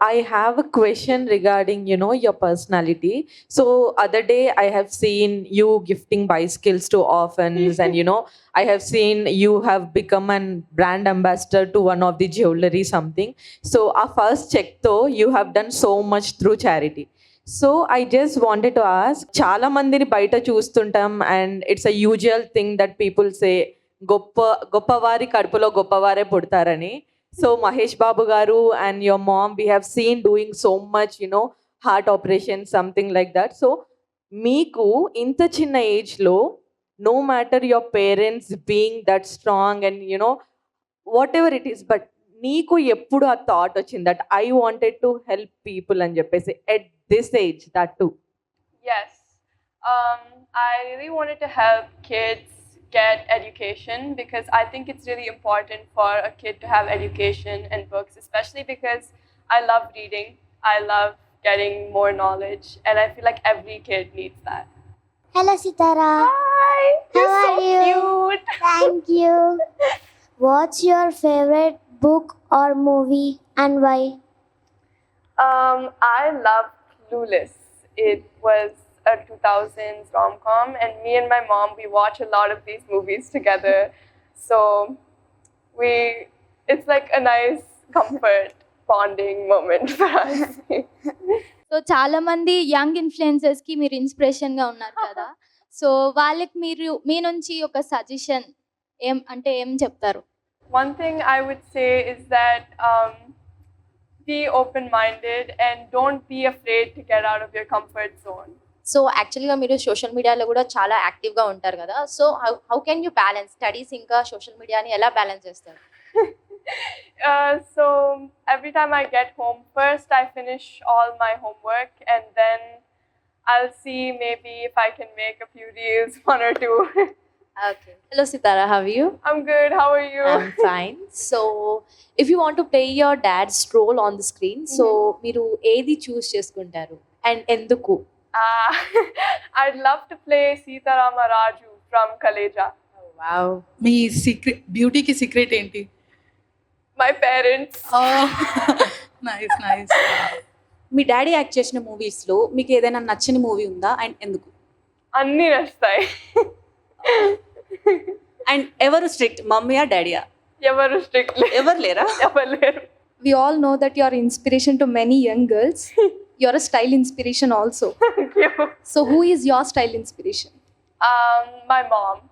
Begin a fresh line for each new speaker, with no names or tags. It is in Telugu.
I have a question regarding, your personality. So other day I have seen you gifting bicycles to orphans, and I have seen you have become an brand ambassador to one of the jewelry something. So our first check though, you have done so much through charity. So I just wanted to ask, చాలా మందిని బయట చూస్తుంటాం, and it's a usual thing that people say, గొప్ప గొప్పవారి కడుపులో గొప్పవారే పుడతారని. సో మహేష్ బాబు గారు and your mom we have seen doing so much heart operation something like that. So మీకు ఇంత చిన్న ఏజ్లో, no matter your parents being that strong and whatever it is, but నీకు ఎప్పుడు ఆ థాట్ వచ్చింది that I wanted to help people అని చెప్పేసి at this age that too?
Yes. I really wanted to help kids get education because I think it's really important for a kid to have education and books, especially because I love reading. I love getting more knowledge, and I feel like every kid needs that.
Hello, Sitara.
Hi! You're
How
so
are you?
cute!
Thank you. What's your favorite book or movie and why?
I love Clueless. It was a 2000s rom-com, and me and my mom, we watch a lot of these movies together. So it's like a nice comfort bonding moment for us.
So చాలా మంది యంగ్ ఇన్ఫ్లుయెన్సర్స్ కి మీరు ఇన్స్పిరేషన్ గా ఉన్నారు కదా. సో వాళ్ళకి మీరు మీ నుంచి ఒక సజెషన్ ఏం చెప్తారు?
One thing I would say is that be open-minded and don't be afraid to get out of your comfort zone.
So యాక్చువల్గా మీరు సోషల్ మీడియాలో కూడా చాలా యాక్టివ్గా ఉంటారు కదా. So how can you balance studies ఇంకా సోషల్ మీడియాని ఎలా బ్యాలెన్స్ చేస్తారు?
So every time I get home, first I finish all my homework, and then I'll see maybe if I can make a few reels, one or two.
Okay. Hello Sitara, how are you?
I'm good. How are you?
I'm fine. So if you want to play your dad's role on the screen, so మీరు ఏది చూస్ చేసుకుంటారు అండ్ ఎందుకు?
I'd love to play Sitarama Raju from Kaleja.
Wow.
మీ సీక్రెట్ బ్యూటీకి సీక్రెట్ ఏంటి?
My parents.
Nice nice.
మీ డాడీ యాక్ట్ చేసిన మూవీస్లో మీకు ఏదైనా నచ్చని మూవీ ఉందా అండ్ ఎందుకు?
అన్నీ నచ్చుతాయి.
అండ్ ఎవరు స్ట్రిక్ట్, మమ్మీయా డాడీయా?
ఎవరు స్ట్రిక్ట్
ఎవరు లేరా?
ఎవరు లేరు.
We all know that you are inspiration to many young girls. You are a style inspiration also.
Thank you.
So who is your style inspiration?
My mom.